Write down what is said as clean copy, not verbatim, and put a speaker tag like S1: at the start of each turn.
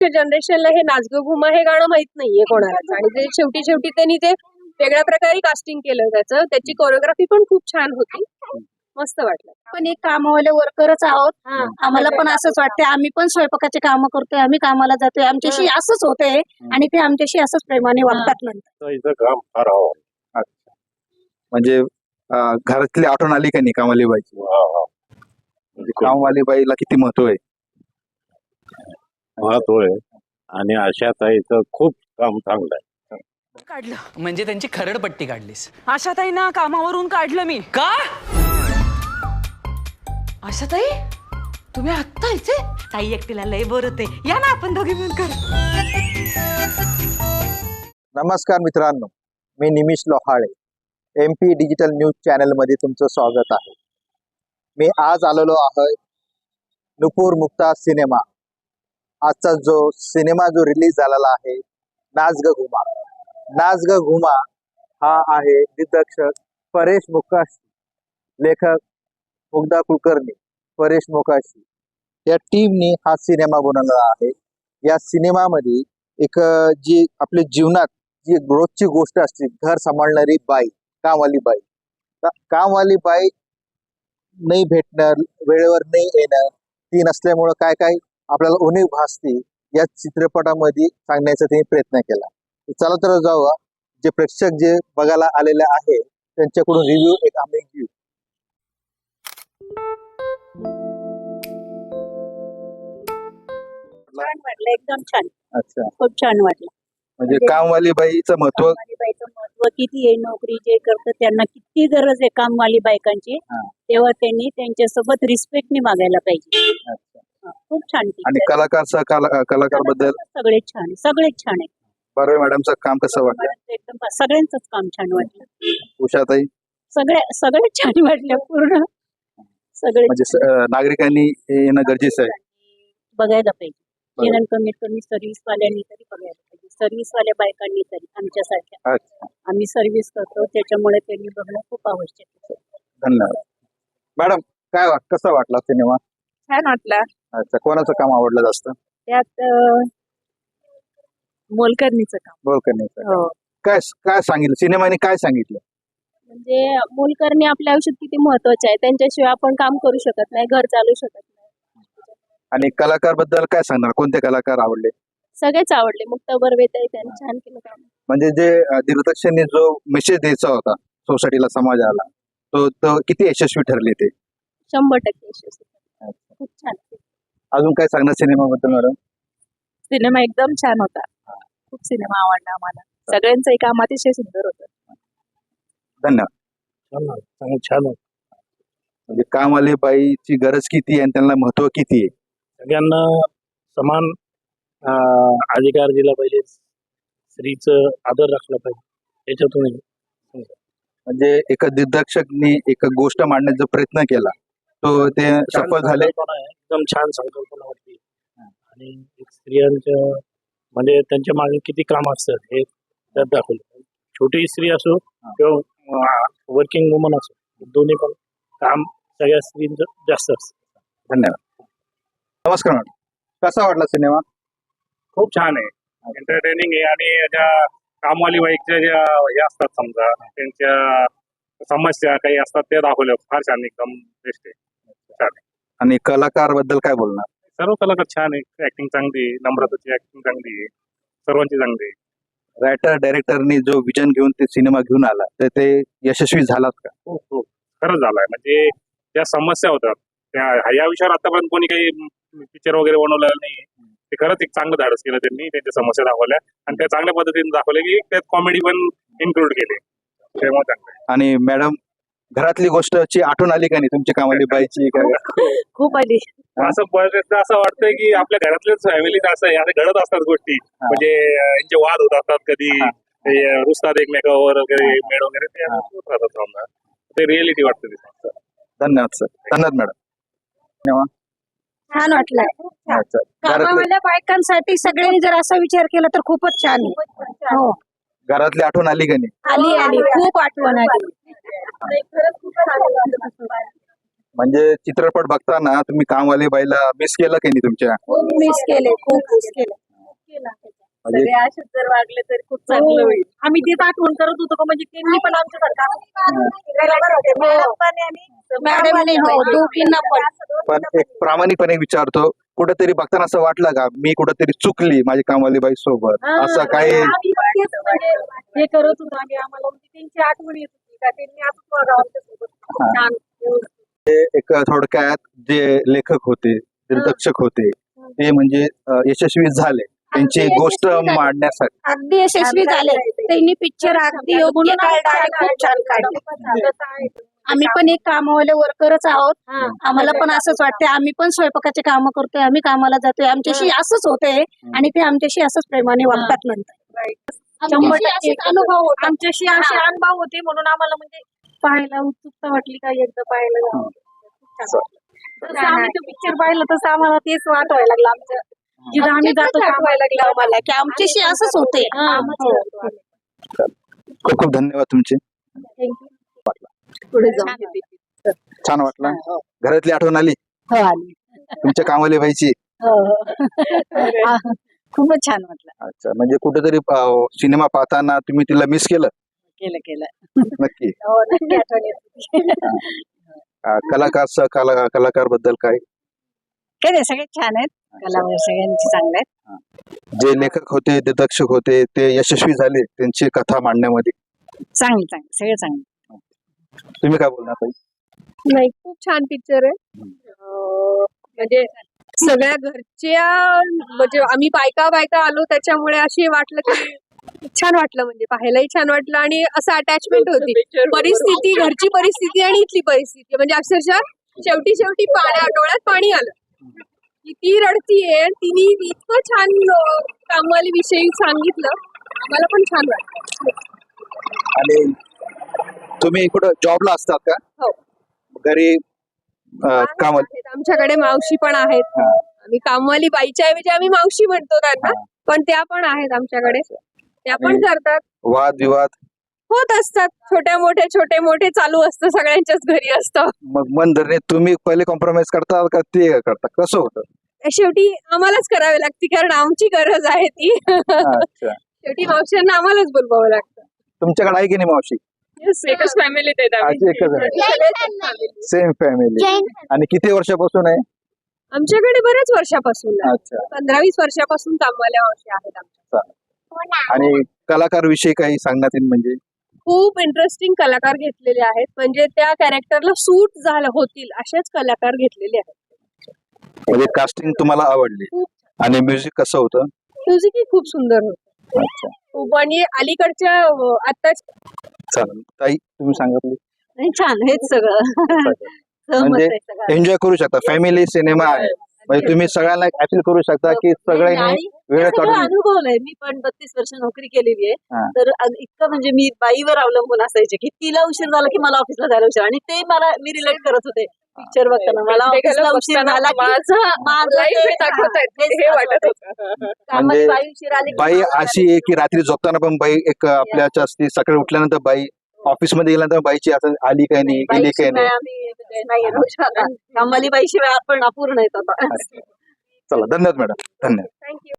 S1: जनरेशनला हे नाचगं घुमा हे गाणं माहित नाहीये कोणालाच आणि ते शेवटी त्यांनी ते वेगळ्या प्रकारे कास्टिंग केलं त्याची कोरिओग्राफी पण खूप छान होती. मस्त वाटलं.
S2: पण एक कामवाले वर्करच आहोत. आम्हाला पण असंच वाटते. आम्ही पण स्वयंपाकाचे काम करतोय, आम्ही कामाला जातोय, आमच्याशी असंच होतंय आणि ते आमच्याशी असंच प्रेमाने वागतात नंतर.
S3: काम फार हवं.
S4: म्हणजे घरातली आठवण आली का नाही कामवाली बाईची? म्हणजे कामवाली बाईला किती महत्व आहे?
S3: महत्व आहे आणि आशाताईचं खूप काम चांगलं आहे.
S5: काढलं म्हणजे त्यांची खरडपट्टी काढलीस. आशाताईंना कामावरून काढलं मी. का? आशाताई तुम्ही आत्ता इथे? ताई एकटीला लय बोर होते, या ना आपण दोघी मिळून करू.
S4: नमस्कार मित्रांनो, मी Nimish Lohale, MP digital news channel मध्ये तुमचं स्वागत आहे. मी आज आलेलो आहे नुपूर मुक्ता सिनेमा. आजचा जो सिनेमा जो रिलीज झालेला आहे, नाच ग घुमा. नाच ग घुमा हा आहे दिग्दर्शक परेश मोकाशी, लेखक मुग्धा कुलकर्णी, परेश मोकाशी या टीमने हा सिनेमा बनवलेला आहे. या सिनेमामध्ये एक जी आपल्या जीवनात जी रोजची गोष्ट असते, घर सांभाळणारी बाई, कामवाली बाई, कामवाली बाई नाही भेटणं, वेळेवर नाही येणं, ती नसल्यामुळं काय काय आपल्याला उणीव भासते, या चित्रपटामध्ये सांगण्याचा त्यांनी प्रयत्न केला. चला तर जाऊया, जे प्रेक्षक जे बघायला आलेले आहे त्यांच्याकडून रिव्ह्यू एक आम्ही घेऊ.
S2: छान वाटलं, एकदम छान.
S4: अच्छा,
S2: खूप छान वाटलं.
S4: म्हणजे कामवाली बाईचं महत्व.
S2: कामवाली बाईचं महत्व किती आहे, नोकरी जे करतं त्यांना किती गरज आहे कामवाली बायकांची, तेव्हा त्यांनी त्यांच्यासोबत रिस्पेक्टने वागायला पाहिजे. खूप छान.
S4: आणि कलाकार बद्दल
S2: सगळेच छान आहे, सगळेच छान आहे.
S4: बरं, मॅडमचं काम कसं वाटलं?
S2: एकदम सगळ्यांचंच काम छान वाटलं.
S4: उषाताई?
S2: सगळेच छान वाटले पूर्ण सगळे.
S4: म्हणजे नागरिकांनी येणं गरजेचं आहे,
S2: बघायला पाहिजे. निदान कमीत कमी सर्व्हिस वाल्यांनी तरी बघायला पाहिजे, सर्व्हिस वाल्या बायकांनी तरी, आमच्यासारख्या. आम्ही सर्व्हिस करतो त्याच्यामुळे त्यांनी बघणं खूप आवश्यक आहे.
S4: धन्यवाद. मॅडम काय कसा वाटला सिनेमा?
S1: छान वाटला.
S4: अच्छा, कोणाचं काम आवडलं जास्त?
S1: त्यात मोलकरणीचं काम.
S4: बोलकर्णीचं.
S1: हो,
S4: काय काय सांगितलं सिनेमाने, काय सांगितलं?
S1: म्हणजे मोलकरणी आपल्या आयुष्यात किती महत्वाचे आहे, त्यांच्याशिवाय आपण काम करू शकत नाही, घर चालू शकत नाही.
S4: आणि कलाकार बद्दल काय सांगणार? कोणते कलाकार आवडले?
S1: सगळेच आवडले. मुक्ता बर्वेताई त्यांनी छान केलं काम.
S4: म्हणजे जे दिग्दर्शकांनी जो मेसेज द्यायचा होता सोसायटीला, समाजाला, तो किती यशस्वी ठरले ते?
S1: 100% यशस्वी. खूप छान.
S4: अजून काय सांगणार सिनेमाबद्दल मॅडम?
S1: सिनेमा एकदम छान होता. खूप सिनेमा आवडला आम्हाला. सगळ्यांचं काम अतिशय सुंदर होतं.
S4: धन्यवाद. छान. म्हणजे कामवाली बाईची गरज किती आहे आणि त्यांना महत्व किती आहे?
S3: सगळ्यांना समान अधिकार दिला पाहिजे, स्त्रीचं आदर राखला पाहिजे. त्याच्यातून
S4: म्हणजे एका दिग्दर्शकने एक गोष्ट मांडण्याचा प्रयत्न केला, तो ते सफल झाले.
S3: एकदम छान संकल्पना होती. आणि एक स्त्रियांच्या म्हणजे त्यांच्या मागे किती काम असतं हे त्यात दाखवलं. छोटी स्त्री असो किंवा वर्किंग वुमन असो, दोन्ही पण काम सगळ्या स्त्रींचं जास्त असतं.
S4: धन्यवाद. नमस्कार मॅडम, कसा वाटला सिनेमा?
S3: खूप छान आहे, एंटरटेनिंग आहे. आणि ज्या कामवाली बाईकच्या ज्या हे असतात, समजा त्यांच्या समस्या काही असतात ते दाखवल्या फार छान, एकदम बेस्ट आहे, छान आहे.
S4: आणि कलाकार बद्दल काय बोलणार?
S3: सर्व कलाकार छान आहे, ऍक्टिंग चांगली आहे, नम्रताची ऍक्टिंग चांगली आहे, सर्वांची चांगली आहे.
S4: रायटर डायरेक्टरनी जो विजन घेऊन ते सिनेमा घेऊन आला, तर ते यशस्वी झालात का?
S3: खूप खरंच झालाय. म्हणजे ज्या समस्या होतात त्या या विषयावर आतापर्यंत कोणी काही पिक्चर वगैरे बनवलेलं नाही. ते खरंच एक चांगलं धाडस केलं त्यांनी, त्यांच्या समस्या दाखवल्या आणि त्या चांगल्या पद्धतीने दाखवल्या की त्यात कॉमेडी पण इन्क्लूड केले, त्यामुळे चांगलं.
S4: आणि मॅडम, घरातली गोष्टची आठवण आली का नाही तुमची कामवाली बाईची?
S2: खूप आली.
S3: असं बऱ्याचदा असं वाटतंय की आपल्या घरातल्याच फॅमिलीत असं घडत असतात गोष्टी. म्हणजे यांचे वाद होत असतात, कधी रुसतात एकमेकावर वगैरे, मेळ वगैरे, ते होत राहतात समजा. ते रिअलिटी वाटतं ते.
S4: धन्यवाद सर. धन्यवाद मॅडम. धन्यवाद.
S2: छान वाटलं.
S4: अच्छा,
S2: कामावाल्या बायकांसाठी सगळ्यांनी जर असा विचार केला तर खूपच छान आहे. हो,
S4: घरातली आठवण आली का नाही?
S2: आली खूप आठवण आली.
S4: म्हणजे चित्रपट बघताना तुम्ही कामवाली बाईला मिस केलं की नाही तुमच्या?
S2: खूप मिस केले, खूप मिस केले. सगळे असेच जर वागले तर खूप चांगलं होईल. आम्ही तेच आठवण करत होतो का म्हणजे त्यांनी पण मॅडमने दोघींना
S4: पण एक प्रामाणिकपणे विचारतो, कुठेतरी बघताना असं वाटलं का मी कुठेतरी चुकली माझी कामवाली बाई सोबत, असं काही?
S2: आम्ही पण तेच म्हणजे हे करत होतो आम्ही, आम्हाला म्हणजे त्यांची आठवण येत होती का त्यांनी असंच वागावं आमच्यासोबत. छान व्यवस्थित.
S4: एक थोडक्यात जे लेखक होते, दिग्दर्शक होते, ते म्हणजे यशस्वी झाले त्यांची गोष्ट मांडण्यासाठी.
S2: अगदी यशस्वी झाले त्यांनी पिक्चर अगदी योग्य काढला आणि खूप छान काढले. आम्ही पण एक कामवाले वर्करच आहोत. आम्हाला पण असंच वाटते, आम्ही पण स्वयंपाकाचे काम करतोय, आम्ही कामाला जातोय, आमच्याशी असंच होतंय आणि ते आमच्याशी असंच प्रेमाने वागतात नंतर. 100% अनुभव होते. आमच्याशी असे अनुभव होते म्हणून आम्हाला म्हणजे पाहायला उत्सुकता वाटली का एकदा पाहायला जावं. खूप छान वाटलं. जसं आम्ही तो पिक्चर पाहिलं तसं आम्हाला तेच वाटायला लागलं. आमच्या जिथं आम्ही जातो कामाला लागलं आम्हाला की आमच्याशी असंच होते.
S4: खूप खूप धन्यवाद तुमचे.
S2: पुढे जाऊन
S4: छान वाटलं. घरातली आठवण आली
S2: आली.
S4: तुमच्या कामवाली बाईची?
S2: खूपच छान वाटलं.
S4: अच्छा, म्हणजे कुठेतरी सिनेमा पाहताना तुम्ही तिला मिस केलं?
S2: केलं
S4: नक्की.
S2: नक्की आठवण येते.
S4: कलाकार बद्दल काय?
S2: काय नाही, सगळे छान आहेत. कलावंत सगळ्यांची चांगले आहेत.
S4: जे लेखक होते, दिग्दर्शक होते, ते यशस्वी झाले त्यांची कथा मांडण्यामध्ये?
S2: चांगले सगळे चांगले.
S4: तुम्ही काय बोलणार ताई?
S1: नाही, खूप छान पिक्चर आहे. म्हणजे सगळ्या घरच्या म्हणजे आम्ही बायका आलो त्याच्यामुळे अशी वाटलं की छान वाटलं, म्हणजे पाहायलाही छान वाटलं आणि असं अटॅचमेंट होती. परिस्थिती, घरची परिस्थिती आणि इथली परिस्थिती म्हणजे अक्षरशः शेवटी डोळ्यात पाणी आलं की ती रडतीये. तिने इतकं छान कामवाली विषयी सांगितलं, आम्हाला पण छान वाटलं.
S4: आणि तुम्ही कुठं जॉबला असतात का?
S1: हो.
S4: घरी काम?
S1: आहेत. आमच्याकडे मावशी पण आहेत. आम्ही कामवाली बाईच्या ऐवजी आम्ही मावशी म्हणतो त्यांना, पण त्या पण आहेत आमच्याकडे. त्या पण करतात.
S4: वाद विवाद
S1: होत असतात, छोटे मोठे चालू असतं, सगळ्यांच्याच घरी असतं.
S4: मग मन धरणे तुम्ही पहिले कॉम्प्रोमाइज करता का ते करता, कसं होतं?
S1: शेवटी आम्हालाच करावी लागते कारण आमची गरज आहे ती.
S4: अच्छा.
S1: शेवटी मावशींना आम्हालाच बोलवावं लागतं.
S4: तुमच्याकडे आहे की नाही मावशी?
S1: एकच फॅमिलीत आहेत
S4: आज एकच आहे, सेम फॅमिली. आणि किती वर्षापासून आहे?
S1: आमच्याकडे बऱ्याच वर्षापासून आहे.
S4: अच्छा.
S1: 15-20 वर्षापासून कामवाल्या मावशी आहेत आमच्या.
S4: आणि कलाकार विषयी काही सांगण्यात येईल? म्हणजे
S1: खूप इंटरेस्टिंग कलाकार घेतलेले आहेत, म्हणजे त्या कॅरेक्टरला सूट होतील असेच कलाकार घेतलेले आहेत.
S4: म्हणजे कास्टिंग तुम्हाला आवडली? आणि म्युझिक कसं होतं?
S1: म्युझिकही खूप सुंदर होतं.
S4: अच्छा.
S1: खूप आणि अलीकडच्या आता
S4: चालेल ताई, तुम्ही सांगितले
S2: छान हेच सगळं.
S4: म्हणजे एन्जॉय करू शकता, फॅमिली सिनेमा आहे म्हणजे तुम्ही सगळ्यांना अपील करू शकता की सगळ्यांनी वेळ काढून.
S2: अनुभवलंय मी पण 32 वर्ष नोकरी केलेली
S4: हा.
S2: आहे. तर इतकं म्हणजे मी बाईवर अवलंबून असायचे की तिला उशीर झाला की मला ऑफिसला जायला उशीर, आणि ते मी रिलेट करत होते पिक्चर बघताना. मला ऑफिसला उशीर झाला की माझं
S1: लाईफ दाखवतायत हे वाटत होतं.
S2: कामाची बाई उशीर आली की
S4: बाई
S2: मला
S4: अशी आहे की रात्री झोपताना पण बाई एक आपल्याच्या असते, सकाळी उठल्यानंतर बाई, ऑफिस मध्ये गेल्यानंतर बाईची आता आली काय नाही, गेली काय
S2: बाईशिवाय
S4: नाही.
S2: आम्ही नाही राहू शकत. कामाली बाईशिवाय आपण अपूर्ण येत आता.
S4: चला, धन्यवाद मॅडम, धन्यवाद.
S1: थँक्यू.